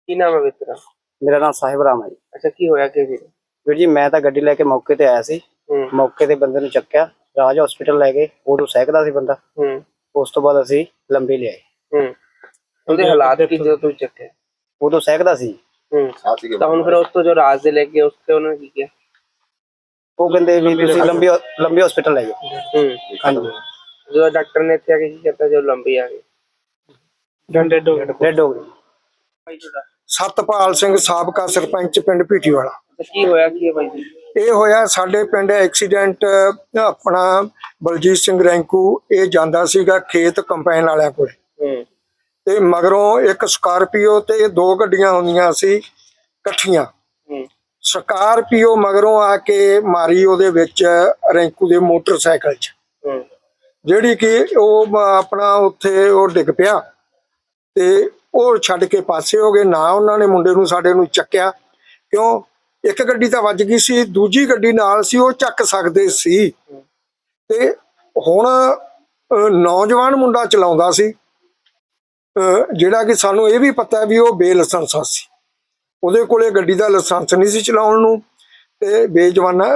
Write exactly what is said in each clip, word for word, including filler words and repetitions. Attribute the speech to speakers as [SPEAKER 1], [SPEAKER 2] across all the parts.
[SPEAKER 1] ਕੀ ਨਾਮ ਹੈ ਵੀਰ ਤੇਰਾ?
[SPEAKER 2] ਮੇਰਾ ਨਾਮ ਸਾਹਿਬ ਰਾਮ ਹੈ ਜੀ।
[SPEAKER 1] ਅੱਛਾ, ਕੀ ਹੋਇਆ ਕੀ ਵੀਰ?
[SPEAKER 2] ਵੀਰ ਜੀ ਮੈਂ ਤਾਂ ਗੱਡੀ ਲੈ ਕੇ ਮੌਕੇ ਤੇ ਆਇਆ ਸੀ।
[SPEAKER 1] ਹੂੰ
[SPEAKER 2] ਮੌਕੇ ਤੇ ਬੰਦੇ ਨੂੰ ਚੱਕਿਆ, ਰਾਜ ਹਸਪੀਟਲ ਲੈ ਗਏ। ਉਦੋਂ ਸਹਿਕਦਾ ਸੀ ਬੰਦਾ।
[SPEAKER 1] ਹੂੰ
[SPEAKER 2] ਉਸ ਤੋਂ ਬਾਅਦ ਅਸੀਂ ਲੰਬੀ ਲਿਆਏ।
[SPEAKER 1] ਹੂੰ ਉਹਦੇ ਹਾਲਾਤ ਕੀ ਜਦੋਂ ਤੁਸੀਂ ਚੱਕਿਆ?
[SPEAKER 2] ਉਦੋਂ ਸਹਿਕਦਾ ਸੀ।
[SPEAKER 1] ਹੂੰ ਤਾਂ ਹੁਣ ਫਿਰ ਉਸ ਤੋਂ ਜੋ ਰਾਜ ਦੇ ਲੈ ਕੇ ਉਸ ਤੇ ਉਹਨਾਂ ਨੇ ਕੀ ਕਿਹਾ?
[SPEAKER 2] ਉਹ ਕਹਿੰਦੇ ਵੀ ਤੁਸੀਂ ਲੰਬੀ ਲੰਬੀ ਹਸਪੀਟਲ ਲੈ ਜਾਓ।
[SPEAKER 1] ਹੂੰ
[SPEAKER 2] ਹਾਂਜੀ,
[SPEAKER 1] ਜਦੋਂ ਡਾਕਟਰ ਨੇ ਇੱਥੇ ਆ ਕੇ ਕੀ ਕੀਤਾ ਜਦੋਂ ਲੰਬੀ ਆ ਗਈ?
[SPEAKER 2] ਡੈਡ ਹੋ ਗਏ। ਡੈਡ ਹੋ ਗਏ।
[SPEAKER 1] ਭਾਈ ਤੁਹਾਡਾ
[SPEAKER 3] ਸਤਪਾਲ ਸਿੰਘ ਸਾਬਕਾ ਸਰਪੰਚ ਪਿੰਡ ਭੀਟੀਵਾਲਾ।
[SPEAKER 1] ਅੱਛਾ, ਕੀ ਹੋਇਆ ਕੀ ਹੈ ਭਾਈ ਜੀ?
[SPEAKER 3] ਇਹ ਹੋਇਆ ਸਾਡੇ ਪਿੰਡ ਐਕਸੀਡੈਂਟ। ਆਪਣਾ ਬਲਜੀਤ ਸਿੰਘ ਰੈਂਕੂ ਇਹ ਜਾਂਦਾ ਸੀਗਾ ਖੇਤ ਕੰਪਾਈਨ ਵਾਲਿਆਂ ਕੋਲ,
[SPEAKER 1] ਹੂੰ
[SPEAKER 3] ਤੇ ਮਗਰੋਂ ਇੱਕ ਸਕਾਰਪੀਓ ਤੇ ਦੋ ਗੱਡੀਆਂ ਹੁੰਦੀਆਂ ਸੀ ਇਕੱਠੀਆਂ।
[SPEAKER 1] ਹੂੰ
[SPEAKER 3] ਸਕਾਰਪੀਓ ਮਗਰੋਂ ਆ ਕੇ ਮਾਰੀ ਉਹਦੇ ਵਿੱਚ ਰੈਂਕੂ ਦੇ ਮੋਟਰਸਾਈਕਲ 'ਚ,
[SPEAKER 1] ਹੂੰ
[SPEAKER 3] ਜਿਹੜੀ ਕਿ ਉਹ ਆਪਣਾ ਉੱਥੇ ਉਹ ਡਿੱਗ ਪਿਆ ਤੇ ਉਹ ਛੱਡ ਕੇ ਪਾਸੇ ਹੋ ਗਏ। ਨਾ ਉਹਨਾਂ ਨੇ ਮੁੰਡੇ ਨੂੰ ਸਾਡੇ ਨੂੰ ਚੱਕਿਆ, ਕਿਉਂ? ਇੱਕ ਗੱਡੀ ਤਾਂ ਵੱਜ ਗਈ ਸੀ, ਦੂਜੀ ਗੱਡੀ ਨਾਲ ਸੀ, ਉਹ ਚੱਕ ਸਕਦੇ ਸੀ। ਤੇ ਹੁਣ ਨੌਜਵਾਨ ਮੁੰਡਾ ਚਲਾਉਂਦਾ ਸੀ, ਜਿਹੜਾ ਕਿ ਸਾਨੂੰ ਇਹ ਵੀ ਪਤਾ ਵੀ ਉਹ ਬੇਲਾਇਸੈਂਸ ਸੀ। ਉਹਦੇ ਕੋਲੇ ਗੱਡੀ ਦਾ ਲਾਇਸੈਂਸ ਨਹੀਂ ਸੀ ਚਲਾਉਣ ਨੂੰ, ਤੇ ਬੇਜਵਾਨਾ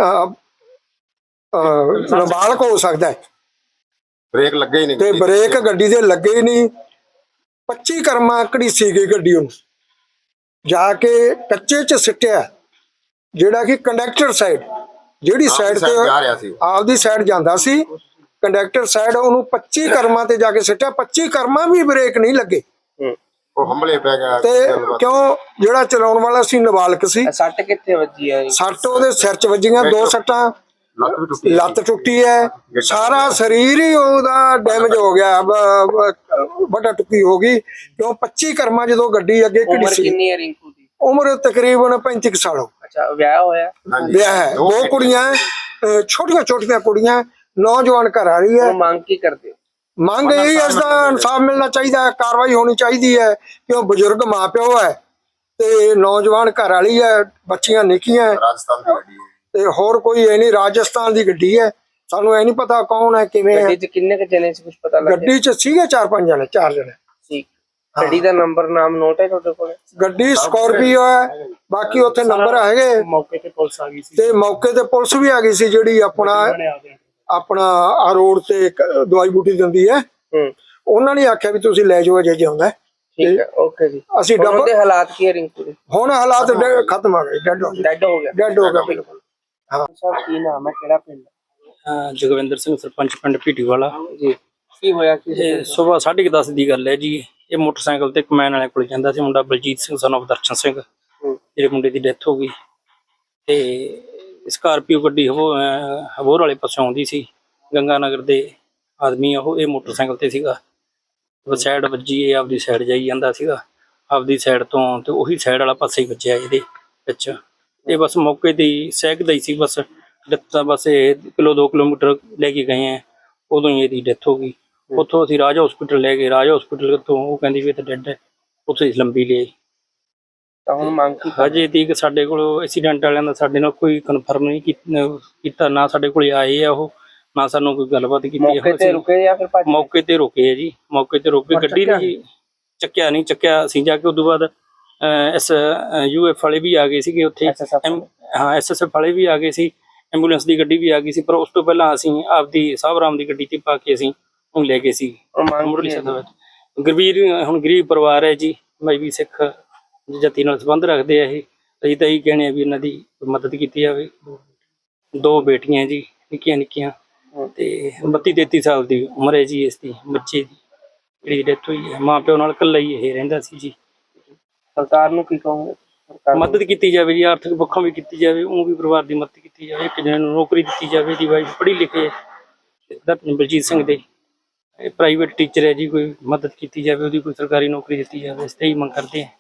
[SPEAKER 3] ਨਾਬਾਲਗ ਹੋ ਸਕਦਾ ਹੈ।
[SPEAKER 4] ਬ੍ਰੇਕ ਲੱਗੇ ਹੀ ਨਹੀਂ
[SPEAKER 3] ਤੇ ਬ੍ਰੇਕ ਗੱਡੀ ਦੇ ਲੱਗੇ ਹੀ ਨਹੀਂ। ਪੱਚੀ ਕਰਮਾ ਘੜੀਸੀ ਗਈ ਗੱਡੀ ਉਹਨੂੰ, ਜਾ ਕੇ ਕੱਚੇ 'ਚ ਸਿੱਟਿਆ, ਜਿਹੜਾ ਕਿ ਕੰਡਕਟਰ ਸਾਈਡ ਜਿਹੜੀ ਸਾਈਡ ਤੇ ਆਪਦੀ ਸਾਈਡ ਜਾਂਦਾ ਸੀ, ਕੰਡਕਟਰ ਸਾਈਡ ਉਹਨੂੰ ਪੱਚੀ ਕਰਮਾਂ ਤੇ ਜਾ ਕੇ ਸਿੱਟਿਆ। ਪੱਚੀ ਕਰਮਾਂ ਵੀ ਬ੍ਰੇਕ ਨਹੀਂ ਲੱਗੇ,
[SPEAKER 4] ਉਹ ਹੰਬਲੇ ਪੈ ਗਿਆ।
[SPEAKER 3] ਤੇ ਕਿਉਂ? ਜਿਹੜਾ ਚਲਾਉਣ ਵਾਲਾ ਸੀ ਨਾਬਾਲਗ ਸੀ।
[SPEAKER 1] ਸੱਟ ਕਿੱਥੇ ਵੱਜੀ ਹੈ?
[SPEAKER 3] ਸੱਟ ਉਹਦੇ ਸਿਰ 'ਚ ਵੱਜੀਆਂ, ਦੋ ਸੱਟਾਂ, ਲੱਤ ਟੁੱਟੀ ਹੈ, ਸਾਰਾ ਸਰੀਰ ਹੀ ਉਹਦਾ ਡੈਮੇਜ ਹੋ ਗਿਆ, ਵੱਡਾ ਟੁੱਟੀ ਹੋ ਗਈ। ਕਿਉਂ? ਪੱਚੀ ਕਰਮਾਂ ਜਦੋਂ ਗੱਡੀ ਅੱਗੇ
[SPEAKER 1] ਉਮਰ
[SPEAKER 3] ਘੜੀ ਸੀ।
[SPEAKER 1] ਕਿੰਨੀ ਹੈ ਰਿੰਕੂ ਦੀ?
[SPEAKER 3] ਉਮਰ ਤਕਰੀਬਨ ਪੈਂਤੀ ਸਾਲ।
[SPEAKER 1] ਅੱਛਾ, ਵਿਆਹ ਹੋਇਆ?
[SPEAKER 3] ਵਿਆਹ ਹੈ, ਦੋ ਕੁੜੀਆਂ, ਛੋਟੀਆਂ ਛੋਟੀਆਂ ਕੁੜੀਆਂ, ਨੌਜਵਾਨ ਘਰ ਆ ਰਹੀ ਹੈ।
[SPEAKER 1] ਮੰਗ ਕੀ ਕਰਦੇ ਹੋ?
[SPEAKER 3] ਮੰਗ ਇਹ ਇਸ ਦਾ ਇਨਸਾਫ ਮਿਲਣਾ ਚਾਹੀਦਾ ਹੈ, ਕਾਰਵਾਈ ਹੋਣੀ ਚਾਹੀਦੀ ਹੈ। ਕਿਉਂ? ਬਜ਼ੁਰਗ ਮਾਂ ਪਿਓ ਹੈ ਤੇ ਨੌਜਵਾਨ ਘਰ ਵਾਲੀ ਹੈ, ਬੱਚੀਆਂ ਨਿੱਕੀਆਂ,
[SPEAKER 4] ਰਾਜਸਥਾਨ ਦੀ ਗੱਡੀ
[SPEAKER 3] ਤੇ ਹੋਰ ਕੋਈ ਇਹ ਨਹੀਂ। ਰਾਜਸਥਾਨ ਦੀ ਗੱਡੀ ਹੈ, ਸਾਨੂੰ ਇਹ ਨਹੀਂ ਪਤਾ ਕੌਣ ਹੈ ਕਿਵੇਂ ਹੈ।
[SPEAKER 1] ਗੱਡੀ 'ਚ ਕਿੰਨੇ ਕੁ ਜਣੇ ਸੀ, ਕੁਝ ਪਤਾ ਲੱਗਿਆ?
[SPEAKER 3] ਗੱਡੀ 'ਚ ਸੀਗੇ ਚਾਰ ਪੰਜ ਜਣੇ, ਚਾਰ ਜਣੇ।
[SPEAKER 1] ਠੀਕ। ਗੱਡੀ ਦਾ ਨੰਬਰ ਨਾਮ ਨੋਟ ਹੈ ਤੁਹਾਡੇ ਕੋਲ?
[SPEAKER 3] ਗੱਡੀ ਸਕਾਰਪੀਓ ਹੈ, ਬਾਕੀ ਉੱਥੇ ਨੰਬਰ ਹੈਗੇ।
[SPEAKER 2] ਮੌਕੇ ਤੇ ਪੁਲਿਸ ਆ ਗਈ ਸੀ,
[SPEAKER 3] ਤੇ ਮੌਕੇ ਤੇ ਪੁਲਿਸ ਵੀ ਆ ਗਈ ਸੀ, ਜਿਹੜੀ ਆਪਣਾ ਆਪਣਾ ਆ ਰੋਡ ਤੇ ਦਵਾਈ ਬੂਟੀ ਦਿੰਦੀ ਹੈ।
[SPEAKER 1] ਹੂੰ
[SPEAKER 3] ਉਹਨਾਂ ਨੇ ਆਖਿਆ ਵੀ ਤੁਸੀਂ ਲੈ ਜਾਓ, ਅਜੇ ਜਿਉਂਦਾ।
[SPEAKER 1] ਠੀਕ ਹੈ, ਓਕੇ ਜੀ।
[SPEAKER 3] ਅਸੀਂ
[SPEAKER 1] ਹੁਣ ਉਹਦੇ ਹਾਲਾਤ ਕੀ ਹੈ ਰਿੰਕੂ ਦੇ?
[SPEAKER 3] ਹੁਣ ਹਾਲਾਤ ਖਤਮ ਆ ਗਏ, ਡੈਡ ਹੋ ਗਏ।
[SPEAKER 1] ਡੈਡ ਹੋ ਗਿਆ?
[SPEAKER 3] ਡੈਡ ਹੋ ਗਿਆ ਬਿਲਕੁਲ।
[SPEAKER 1] ਹਾਂ ਸਰ, ਕੀ ਨਾਮ ਹੈ, ਕਿਹੜਾ ਪਿੰਡ?
[SPEAKER 2] ਜਗਵਿੰਦਰ ਸਿੰਘ ਸਰਪੰਚ ਪਿੰਡ ਭੀਟੀਵਾਲਾ
[SPEAKER 1] ਜੀ, ਕੀ ਹੋਇਆ ਕੀ?
[SPEAKER 2] ਇਹ ਸਵੇਰ ਸਾਢੇ ਕੁ ਦਸ ਦੀ ਗੱਲ ਹੈ ਜੀ। ਇਹ ਮੋਟਰਸਾਈਕਲ ਤੇ ਕਮੈਨ ਵਾਲੇ ਕੋਲ ਜਾਂਦਾ ਸੀ ਮੁੰਡਾ ਬਲਜੀਤ ਸਿੰਘ son of ਦਰਸ਼ਨ ਸਿੰਘ, ਜਿਹੜੇ ਮੁੰਡੇ ਦੀ ਡੈਥ ਹੋ ਗਈ। ਤੇ ਸਕਾਰਪੀਓ ਗੱਡੀ ਹਬੋਰ ਵਾਲੇ ਪਾਸੋਂ ਆਉਂਦੀ ਸੀ, ਗੰਗਾ ਨਗਰ ਦੇ ਆਦਮੀ ਉਹ। ਇਹ ਮੋਟਰਸਾਈਕਲ ਤੇ ਸੀਗਾ, ਸਾਈਡ ਵੱਜੀ, ਇਹ ਆਪਦੀ ਸਾਈਡ ਜਾਈ ਜਾਂਦਾ ਸੀਗਾ ਆਪਦੀ ਸਾਈਡ ਤੋਂ, ਤੇ ਉਹੀ ਸਾਈਡ ਵਾਲਾ ਪਾਸੇ ਹੀ ਵੱਜਿਆ ਇਹਦੇ ਵਿੱਚ। ਇਹ ਬਸ ਮੌਕੇ ਤੇ ਹੀ ਸਹਿਕਦਾ ਹੀ ਸੀ, ਬਸ ਡੈਥ ਬਸ ਇਹ ਕਿਲੋ ਦੋ ਕਿਲੋਮੀਟਰ ਲੈ ਕੇ ਗਏ ਆ, ਉਦੋਂ ਹੀ ਇਹਦੀ ਡੈਥ ਹੋ ਗਈ। ਉੱਥੋਂ ਅਸੀਂ ਰਾਜ ਹਸਪੀਟਲ ਲੈ ਗਏ, ਰਾਜ ਹਸਪੀਟਲ ਤੋਂ ਉਹ ਕਹਿੰਦੀ ਵੀ ਇਹ ਤਾਂ ਡੈਡ ਹੈ, ਉੱਥੇ ਲੰਬੀ ਲਈ।
[SPEAKER 1] ਤਾਂ ਹੁਣ ਮੰਗ ਕੀ?
[SPEAKER 2] ਹਜੇ ਤੀਕ ਸਾਡੇ ਕੋਲ ਐਕਸੀਡੈਂਟ ਵਾਲਿਆਂ ਦਾ ਸਾਡੇ ਨਾਲ ਕੋਈ ਕਨਫਰਮ ਨਹੀਂ ਕੀਤਾ, ਨਾ ਸਾਡੇ ਕੋਲ ਆਏ ਆ ਉਹ, ਨਾ ਸਾਨੂੰ ਕੋਈ ਗੱਲਬਾਤ ਕੀਤੀ।
[SPEAKER 1] ਮੌਕੇ ਤੇ ਰੁਕੇ ਜਾਂ ਫਿਰ ਭੱਜ ਗਏ?
[SPEAKER 2] ਮੌਕੇ ਤੇ ਰੁਕੇ ਆ ਜੀ, ਮੌਕੇ ਤੇ ਰੁਕੇ। ਗੱਡੀ ਨੇ ਚੱਕਿਆ ਨਹੀਂ, ਚੱਕਿਆ ਅਸੀਂ ਜਾ ਕੇ ਉਦੋਂ ਬਾਅਦ ਐਸ ਯੂ ਐਫ ਵਾਲੇ ਵੀ ਆ ਗਏ ਸੀਗੇ ਉੱਥੇ। ਹਾਂ, ਐਸ ਐਸ ਐਫ ਵਾਲੇ ਵੀ ਆ ਗਏ ਸੀ, ਐਂਬੂਲੈਂਸ ਦੀ ਗੱਡੀ ਵੀ ਆ ਗਈ ਸੀ। ਪਰ ਉਸ ਤੋਂ ਪਹਿਲਾਂ ਅਸੀਂ ਆਪਦੀ ਸਾਹਿਬ ਰਾਮ ਦੀ ਗੱਡੀ ਤੇ ਪਾ ਕੇ ਅਸੀਂ ਉਹ ਲੈ ਗਏ ਸੀ ਮੁਰਲੀ ਸਾਹਿਬ। ਗਰੀਬ ਹੁਣ ਗਰੀਬ ਪਰਿਵਾਰ ਹੈ ਜੀ, ਮਜ਼੍ਹਬੀ ਸਿੱਖ ਜਾਤੀ ਨਾਲ ਸੰਬੰਧ ਰੱਖਦੇ ਆ ਇਹ। ਅਸੀਂ ਤਾਂ ਇਹੀ ਕਹਿੰਦੇ ਆ ਵੀ ਇਹਨਾਂ ਦੀ ਮਦਦ ਕੀਤੀ ਜਾਵੇ। ਦੋ ਬੇਟੀਆਂ ਜੀ, ਨਿੱਕੀਆਂ ਨਿੱਕੀਆਂ, ਤੇ ਬੱਤੀ ਤੇਤੀ ਸਾਲ ਦੀ ਉਮਰ ਹੈ ਜੀ ਇਸ ਦੀ ਬੱਚੇ ਦੀ, ਜਿਹੜੀ ਡੈਥ ਹੋਈ ਹੈ। ਮਾਂ ਪਿਓ ਨਾਲ ਇਕੱਲਾ ਹੀ ਇਹ ਰਹਿੰਦਾ ਸੀ ਜੀ।
[SPEAKER 1] ਸਰਕਾਰ ਨੂੰ ਕੀ ਕਹੋਗੇ?
[SPEAKER 2] ਮਦਦ ਕੀਤੀ ਜਾਵੇ ਜੀ, ਆਰਥਿਕ ਪੱਖੋਂ ਵੀ ਕੀਤੀ ਜਾਵੇ, ਉਹ ਵੀ ਪਰਿਵਾਰ ਦੀ ਮਦਦ ਕੀਤੀ ਜਾਵੇ। ਇੱਕ ਜਣੇ ਨੂੰ ਨੌਕਰੀ ਦਿੱਤੀ ਜਾਵੇ, ਦੀ ਵਾਈਫ ਪੜ੍ਹੀ ਲਿਖੇ ਬਲਜੀਤ ਸਿੰਘ ਦੇ, ਪ੍ਰਾਈਵੇਟ ਟੀਚਰ ਹੈ ਜੀ, ਕੋਈ ਮਦਦ ਕੀਤੀ ਜਾਵੇ, ਉਹਦੀ ਕੋਈ ਸਰਕਾਰੀ ਨੌਕਰੀ ਦਿੱਤੀ ਜਾਵੇ। ਇਸ ਤੇ ਹੀ ਮੰਗ ਕਰਦੇ ਹਾਂ।